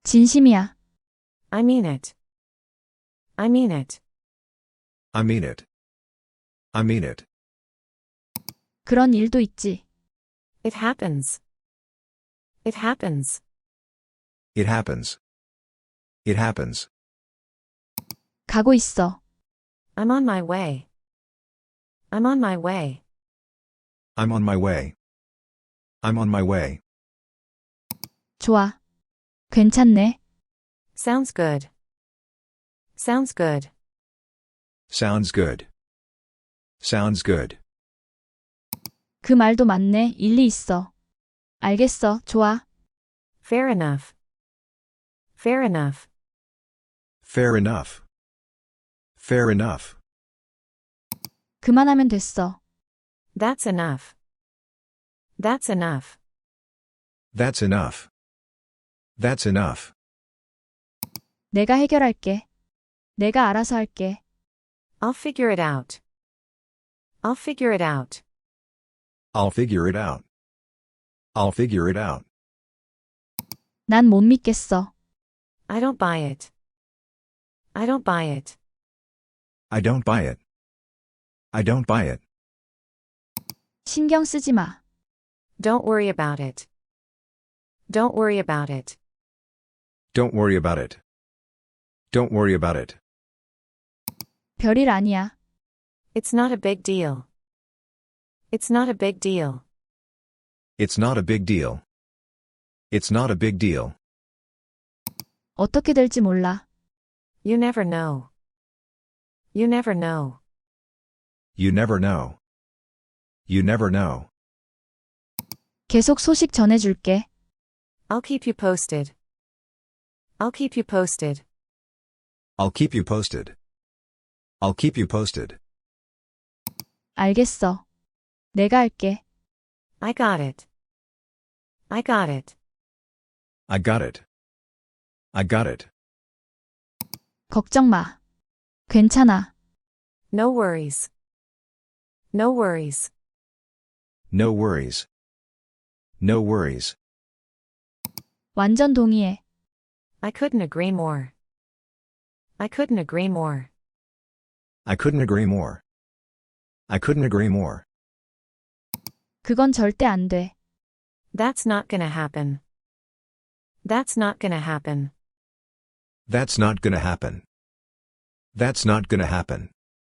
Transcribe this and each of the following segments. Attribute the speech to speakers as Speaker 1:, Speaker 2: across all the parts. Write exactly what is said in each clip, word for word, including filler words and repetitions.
Speaker 1: 진심이야.
Speaker 2: I mean it. I mean it.
Speaker 3: I mean it. I mean it.
Speaker 1: 그런 일도 있지.
Speaker 2: It happens. It happens.
Speaker 3: It happens. It happens.
Speaker 1: 가고 있어.
Speaker 2: I'm on my way. I'm on my way.
Speaker 3: I'm on my way. I'm on my way.
Speaker 1: 좋아. 괜찮네.
Speaker 2: Sounds good. Sounds good.
Speaker 3: Sounds good. Sounds good.
Speaker 1: 그 말도 맞네. 일리 있어. 알겠어. 좋아.
Speaker 2: Fair enough. Fair enough.
Speaker 3: Fair enough. Fair enough.
Speaker 1: 그만하면 됐어.
Speaker 2: That's enough. That's enough.
Speaker 3: That's enough. That's enough.
Speaker 1: 내가 해결할게. 내가 알아서 할게.
Speaker 2: I'll figure it out. I'll figure it out.
Speaker 3: I'll figure it out. I'll figure it out.
Speaker 1: 난 못 믿겠어.
Speaker 2: I don't buy it. I don't buy it.
Speaker 3: I don't buy it. I don't buy it.
Speaker 1: 신경 쓰지 마.
Speaker 2: Don't worry about it. Don't worry about it.
Speaker 3: Don't worry about it. Don't worry about it.
Speaker 1: 별일 아니야.
Speaker 2: It's not a big deal. It's not a big deal.
Speaker 3: It's not a big deal. It's not a big deal.
Speaker 1: 어떻게 될지 몰라.
Speaker 2: You never know. You never know.
Speaker 3: You never know. You never know.
Speaker 1: 계속 소식 전해줄게.
Speaker 2: I'll keep you posted. I'll keep you posted.
Speaker 3: I'll keep you posted. I'll keep you posted.
Speaker 1: 알겠어. 내가 할게.
Speaker 2: I got it. I got it.
Speaker 3: I got it. I got it.
Speaker 1: 걱정 마. 괜찮아.
Speaker 2: No worries. No worries.
Speaker 3: No worries. No worries.
Speaker 1: 완전 동의해.
Speaker 2: I couldn't agree more. I couldn't agree more.
Speaker 3: I couldn't agree more. I couldn't agree more.
Speaker 1: 그건 절대 안 돼.
Speaker 2: That's not gonna happen. That's not gonna happen.
Speaker 3: That's not gonna happen. That's not gonna happen.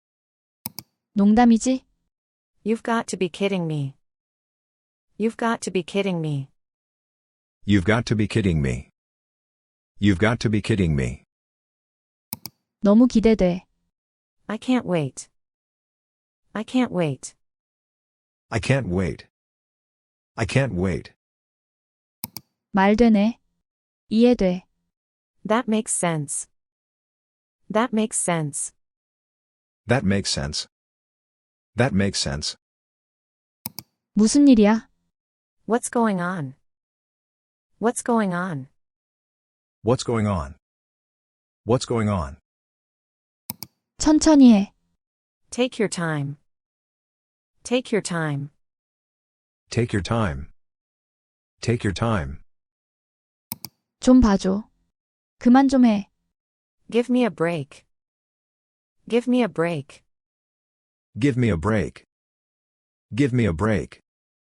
Speaker 1: 농담이지?
Speaker 2: You've got to be kidding me. You've got to be kidding me.
Speaker 3: You've got to be kidding me. You've got to be kidding me.
Speaker 1: 너무 기대돼.
Speaker 2: I can't wait. I can't wait.
Speaker 3: I can't wait. I can't wait.
Speaker 1: 말 되네. 이해돼.
Speaker 2: That makes sense. That makes sense.
Speaker 3: That makes sense. That makes sense.
Speaker 1: 무슨 일이야?
Speaker 2: What's going on? What's going on?
Speaker 3: What's going on? What's going on?
Speaker 1: 천천히 해.
Speaker 2: Take your time. Take your time.
Speaker 3: Take your time. Take your time.
Speaker 1: 좀 봐줘. 그만 좀 해.
Speaker 2: Give me a break. Give me a break.
Speaker 3: Give me a break. Give me a break.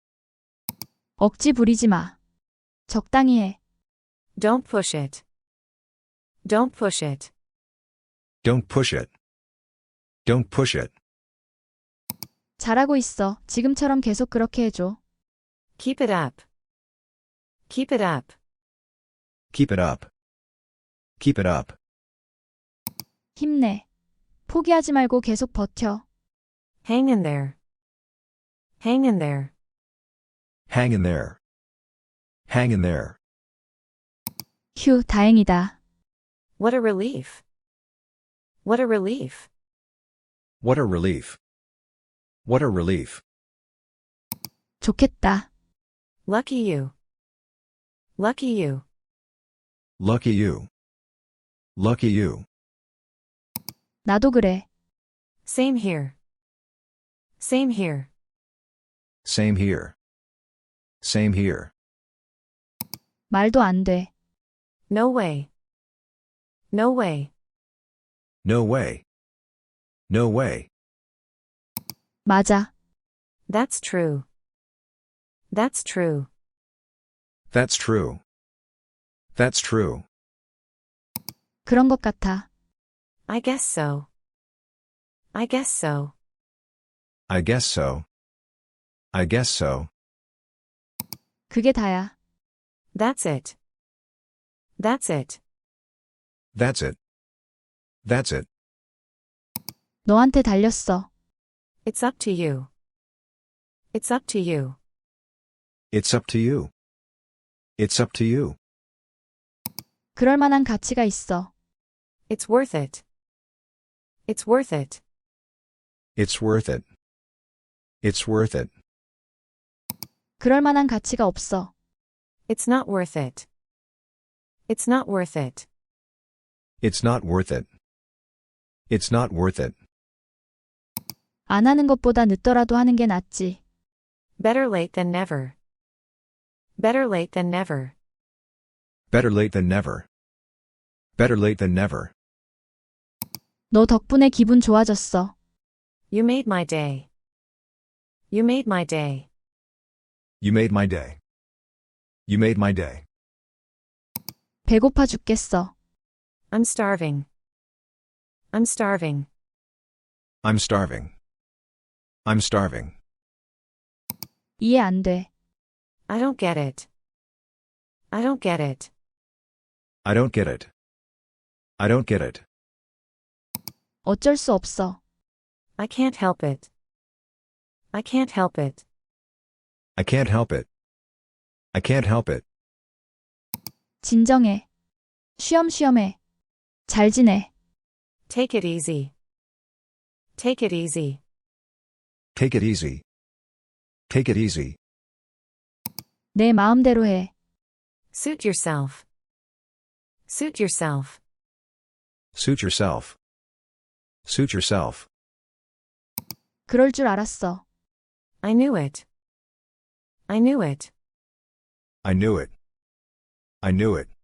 Speaker 1: 억지 부리지 마. 적당히 해.
Speaker 2: Don't push it. Don't push it.
Speaker 3: Don't push it. Don't push it.
Speaker 1: 잘하고 있어. 지금처럼 계속 그렇게 해줘.
Speaker 2: Keep it up. Keep it up.
Speaker 3: Keep it up. Keep it up.
Speaker 1: 힘내. 포기하지 말고 계속 버텨.
Speaker 2: Hang in there. Hang in there.
Speaker 3: Hang in there. Hang in there.
Speaker 1: 휴, 다행이다.
Speaker 2: What a relief. What a relief.
Speaker 3: What a relief. What a relief.
Speaker 1: 좋겠다.
Speaker 2: Lucky you. Lucky you.
Speaker 3: Lucky you. Lucky you.
Speaker 1: 나도 그래.
Speaker 2: Same here. Same here.
Speaker 3: Same here. Same here.
Speaker 1: 말도 안 돼.
Speaker 2: No way. No way.
Speaker 3: No way. No way.
Speaker 1: 맞아.
Speaker 2: That's true. That's true.
Speaker 3: That's true. That's true.
Speaker 1: 그런 것 같아.
Speaker 2: I guess so. I guess so.
Speaker 3: I guess so. I guess so.
Speaker 1: 그게 다야.
Speaker 2: That's it. That's it.
Speaker 3: That's it. That's it.
Speaker 1: 너한테 달렸어.
Speaker 2: It's up to you. It's up to you.
Speaker 3: It's up to you. It's up to you.
Speaker 1: 그럴 만한 가치가 있어.
Speaker 2: It's worth it. It's worth it.
Speaker 3: It's worth it. It's worth it.
Speaker 1: 그럴 만한 가치가 없어.
Speaker 2: It's not worth it. It's not worth it.
Speaker 3: It's not worth it. It's not worth it.
Speaker 1: 안 하는 것보다 늦더라도 하는 게 낫지.
Speaker 2: Better late than never. Better late than never.
Speaker 3: Better late than never. Better late than never.
Speaker 1: 너 덕분에 기분 좋아졌어.
Speaker 2: You made my day. You made my day.
Speaker 3: You made my day. You made my day.
Speaker 1: 배고파 죽겠어.
Speaker 2: I'm starving. I'm starving.
Speaker 3: I'm starving. I'm starving.
Speaker 1: 이해 안 돼.
Speaker 2: I don't get it. I don't get it.
Speaker 3: I don't get it. I don't get it.
Speaker 1: 어쩔 수 없어.
Speaker 2: I can't help it. I can't help it.
Speaker 3: I can't help it. I can't help it.
Speaker 1: 진정해. 쉬엄쉬엄해. 잘 지내.
Speaker 2: Take it easy. Take it easy.
Speaker 3: Take it easy. Take it easy.
Speaker 1: 내 마음대로 해.
Speaker 2: Suit yourself. Suit yourself.
Speaker 3: Suit yourself. Suit yourself.
Speaker 1: 그럴 줄 알았어.
Speaker 2: I knew it. I knew it.
Speaker 3: I knew it. I knew it.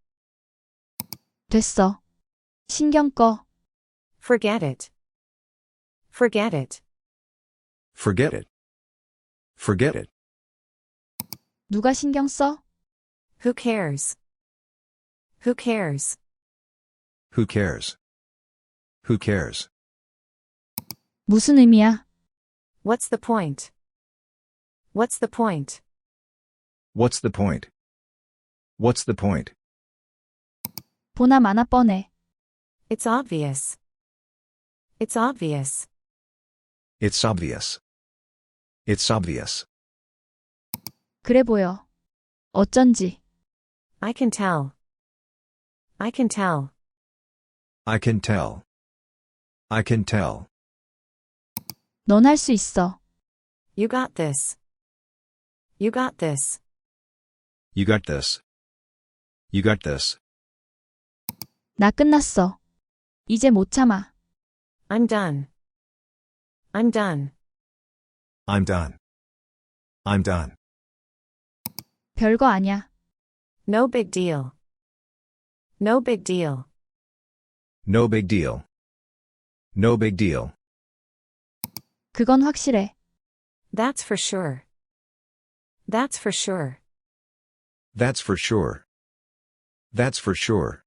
Speaker 1: 됐어. 신경 꺼.
Speaker 2: Forget it. Forget it.
Speaker 3: Forget it. Forget it.
Speaker 1: 누가 신경 써?
Speaker 2: Who cares? Who cares?
Speaker 3: Who cares? Who cares?
Speaker 1: 무슨 의미야?
Speaker 2: What's the point? What's the point?
Speaker 3: What's the point? What's the point?
Speaker 1: 보나 마나 뻔해.
Speaker 2: It's obvious. It's obvious.
Speaker 3: It's obvious. It's obvious.
Speaker 1: 그래 보여. 어쩐지.
Speaker 2: I can tell. I can tell.
Speaker 3: I can tell. I can tell.
Speaker 1: 넌 할 수 있어.
Speaker 2: You got this. You got this.
Speaker 3: You got this. You got this.
Speaker 1: 나 끝났어. 이제 못 참아.
Speaker 2: I'm done. I'm done.
Speaker 3: I'm done. I'm done.
Speaker 1: 별거 아냐.
Speaker 2: No big deal. No big deal.
Speaker 3: No big deal. No big deal.
Speaker 1: 그건 확실해.
Speaker 2: That's for sure. That's for sure.
Speaker 3: That's for sure. That's for sure.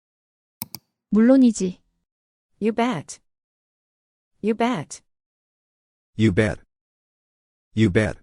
Speaker 1: 물론이지.
Speaker 2: You bet. You bet.
Speaker 3: You bet. You bet.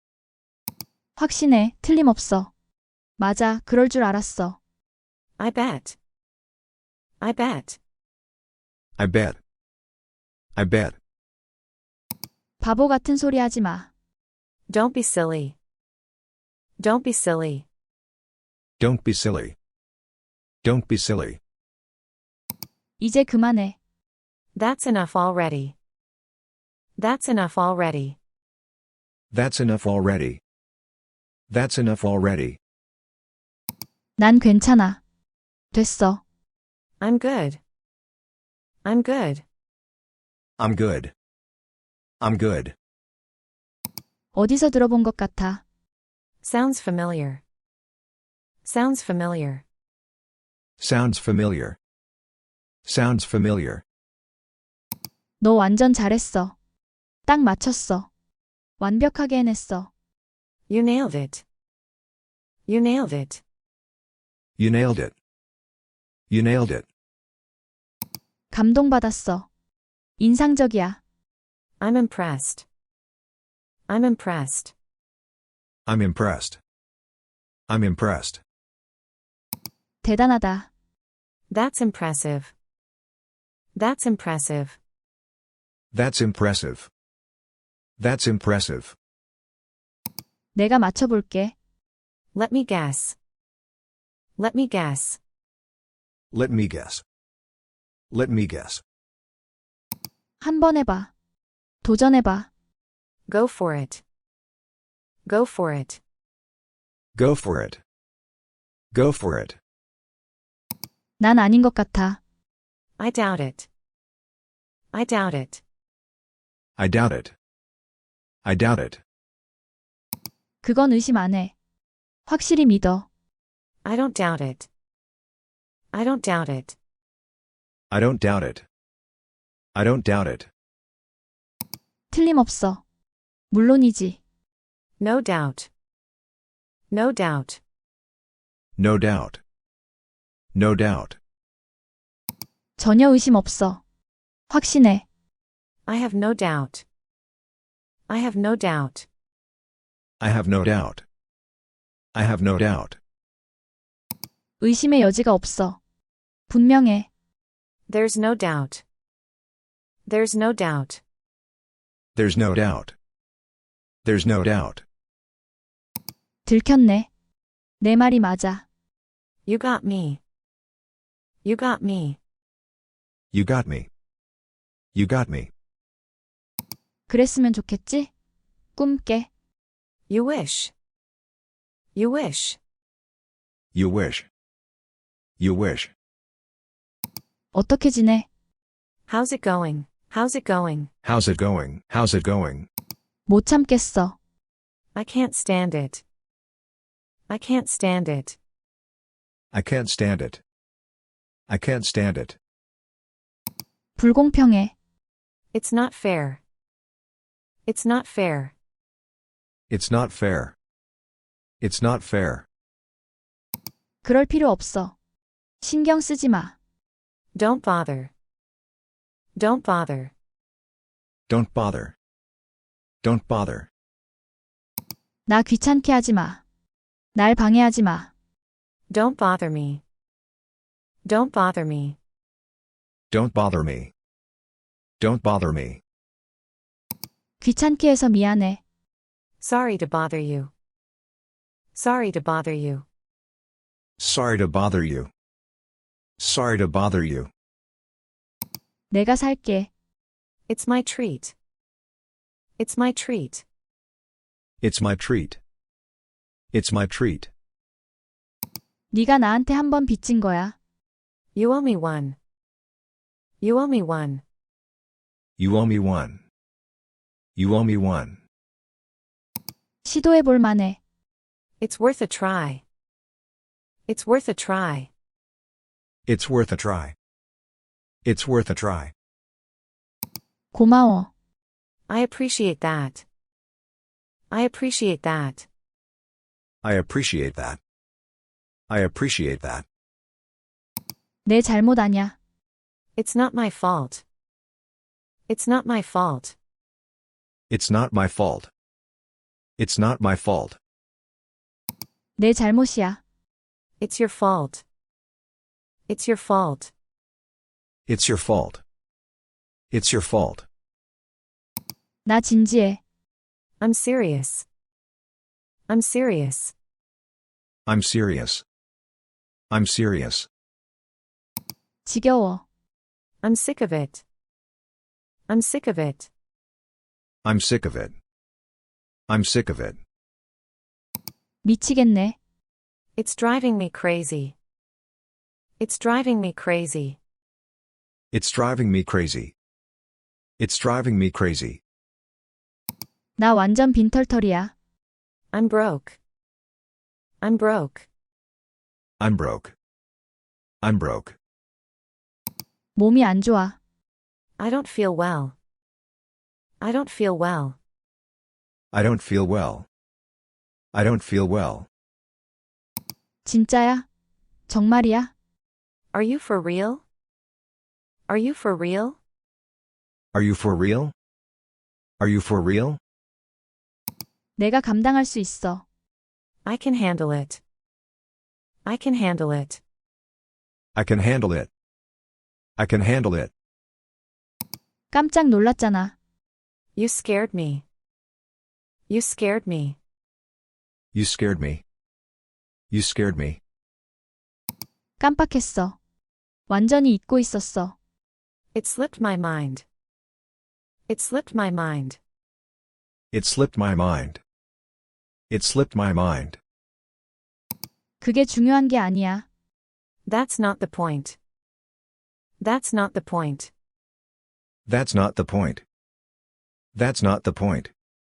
Speaker 1: 확신해. 틀림없어. 맞아. 그럴 줄 알았어.
Speaker 2: I bet. I bet.
Speaker 3: I bet. I bet.
Speaker 1: 바보 같은 소리 하지 마.
Speaker 2: Don't be silly. Don't be silly.
Speaker 3: Don't be silly. Don't be silly.
Speaker 1: 이제 그만해.
Speaker 2: That's enough already. That's enough already.
Speaker 3: That's enough already. That's enough already.
Speaker 1: 난 괜찮아. 됐어.
Speaker 2: I'm good. I'm good.
Speaker 3: I'm good. I'm good.
Speaker 1: 어디서 들어본 것 같아.
Speaker 2: Sounds familiar. Sounds familiar.
Speaker 3: Sounds familiar. Sounds familiar.
Speaker 1: 너 완전 잘했어. 딱 맞췄어. 완벽하게 해냈어.
Speaker 2: You nailed it. You nailed it.
Speaker 3: You nailed it. You nailed it.
Speaker 1: 감동받았어. 인상적이야.
Speaker 2: I'm impressed. I'm impressed.
Speaker 3: I'm impressed. I'm impressed.
Speaker 1: 대단하다.
Speaker 2: That's impressive. That's impressive.
Speaker 3: That's impressive. That's impressive.
Speaker 1: 내가 맞춰볼게.
Speaker 2: Let me guess. Let me guess.
Speaker 3: Let me guess. Let me guess.
Speaker 1: 한번 해봐. 도전해봐.
Speaker 2: Go for it. Go for it.
Speaker 3: Go for it. Go for it.
Speaker 1: 난 아닌 것 같아.
Speaker 2: I doubt it. I doubt it.
Speaker 3: I doubt it. I doubt it.
Speaker 1: 그건 의심 안 해. 확실히 믿어.
Speaker 2: I don't doubt it. I don't doubt it.
Speaker 3: I don't doubt it. I don't doubt it.
Speaker 1: 틀림없어. 물론이지.
Speaker 2: No doubt. No doubt.
Speaker 3: No doubt. No doubt.
Speaker 1: 전혀 의심 없어. 확신해.
Speaker 2: I have no doubt. I have no doubt.
Speaker 3: I have no doubt. I have no doubt.
Speaker 1: 의심의 여지가 없어. 분명해.
Speaker 2: There's no doubt. There's no doubt.
Speaker 3: There's no doubt. There's no doubt.
Speaker 1: 들켰네. 내 말이 맞아.
Speaker 2: You got me. You got me.
Speaker 3: You got me. You got me.
Speaker 1: 그랬으면 좋겠지? 꿈깨.
Speaker 2: You wish. You wish.
Speaker 3: You wish. You wish.
Speaker 1: 어떻게 지내?
Speaker 2: How's it going? How's it going?
Speaker 3: How's it going? How's it going?
Speaker 1: 못 참겠어.
Speaker 2: I can't stand it. I can't stand it.
Speaker 3: I can't stand it. I can't stand it.
Speaker 1: 불공평해.
Speaker 2: It's not fair. It's not fair.
Speaker 3: It's not fair. It's not fair.
Speaker 1: 그럴 필요 없어. 신경 쓰지 마.
Speaker 2: Don't bother. Don't bother.
Speaker 3: Don't bother. Don't bother.
Speaker 1: 나 귀찮게 하지 마. 날 방해하지 마.
Speaker 2: Don't bother me. Don't bother me.
Speaker 3: Don't bother me. Don't bother me.
Speaker 1: 귀찮게 해서 미안해.
Speaker 2: Sorry to bother you. Sorry to bother you.
Speaker 3: Sorry to bother you. Sorry to bother you.
Speaker 1: 내가 살게.
Speaker 2: It's my treat. It's my treat.
Speaker 3: It's my treat. It's my treat.
Speaker 1: 네가 나한테 한 번 빚진 거야.
Speaker 2: You owe me one. You owe me one.
Speaker 3: You owe me one. You owe me one.
Speaker 1: 시도해 볼 만해.
Speaker 2: It's worth a try. It's worth a try.
Speaker 3: It's worth a try. It's worth a try.
Speaker 1: 고마워.
Speaker 2: I appreciate that. I appreciate that.
Speaker 3: I appreciate that. I appreciate that.
Speaker 1: 내 잘못 아냐.
Speaker 2: It's not my fault. It's not my fault.
Speaker 3: It's not my fault. It's not my fault.
Speaker 1: 내 잘못이야.
Speaker 2: It's your fault. It's your fault.
Speaker 3: It's your fault. It's your fault.
Speaker 1: 나 진지해.
Speaker 2: I'm serious. I'm serious.
Speaker 3: I'm serious. I'm serious.
Speaker 1: 지겨워.
Speaker 2: I'm sick of it. I'm sick of it.
Speaker 3: I'm sick of it. I'm sick of it.
Speaker 1: 미치겠네.
Speaker 2: It's driving me crazy. It's driving me crazy.
Speaker 3: It's driving me crazy. It's driving me crazy.
Speaker 1: 나 완전 빈털털이야.
Speaker 2: I'm broke. I'm broke.
Speaker 3: I'm broke. I'm broke.
Speaker 1: 몸이 안 좋아.
Speaker 2: I don't feel well. I don't feel well.
Speaker 3: I don't feel well. I don't feel well.
Speaker 1: 진짜야? 정말이야?
Speaker 2: Are you for real? Are you for real?
Speaker 3: Are you for real? Are you for real?
Speaker 1: 내가 감당할 수 있어.
Speaker 2: I can handle it. I can handle it.
Speaker 3: I can handle it. I can handle it.
Speaker 1: 깜짝 놀랐잖아.
Speaker 2: You scared me. You scared me.
Speaker 3: You scared me. You scared me.
Speaker 1: 깜빡했어. 완전히 잊고 있었어.
Speaker 2: It slipped my mind. It slipped my mind.
Speaker 3: It slipped my mind. It slipped my mind.
Speaker 1: 그게 중요한 게 아니야.
Speaker 2: That's not the point. That's not the point.
Speaker 3: That's not the point. That's not the point.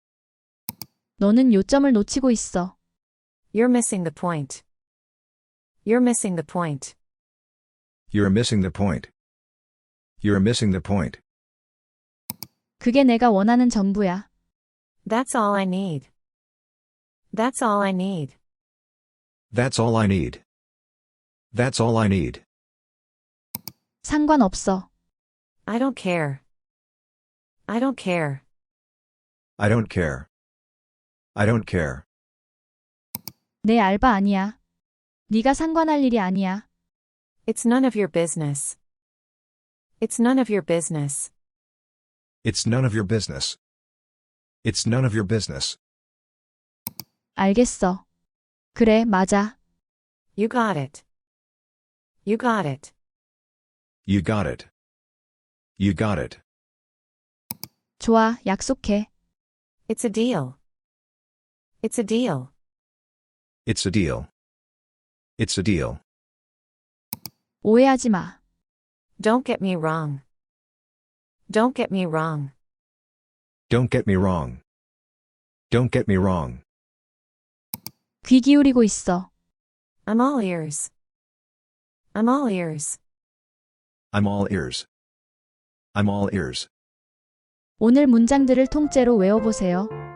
Speaker 1: 너는 요점을 놓치고 있어.
Speaker 2: You're missing the point. You're missing the point.
Speaker 3: You're missing the point. You're missing the point.
Speaker 1: 그게 내가 원하는 전부야.
Speaker 2: That's all I need. That's all I need.
Speaker 3: That's all I need. That's all I need.
Speaker 1: 상관없어.
Speaker 2: I don't care. I don't care.
Speaker 3: I don't care. I don't care.
Speaker 1: 내 알바 아니야. 네가 상관할 일이 아니야.
Speaker 2: It's none of your business. It's none of your business.
Speaker 3: It's none of your business. It's none of your business.
Speaker 1: 알겠어. 그래, 맞아.
Speaker 2: You got it. You got it.
Speaker 3: You got it. You got it.
Speaker 1: 좋아, 약속해.
Speaker 2: It's a deal. It's a deal.
Speaker 3: It's a deal. It's a deal.
Speaker 1: 오해하지 마.
Speaker 2: Don't get me wrong. Don't get me wrong.
Speaker 3: Don't get me wrong. Don't get me wrong.
Speaker 1: 귀 기울이고 있어.
Speaker 2: I'm all ears. I'm all ears.
Speaker 3: I'm all ears. I'm all ears.
Speaker 1: 오늘 문장들을 통째로 외워보세요.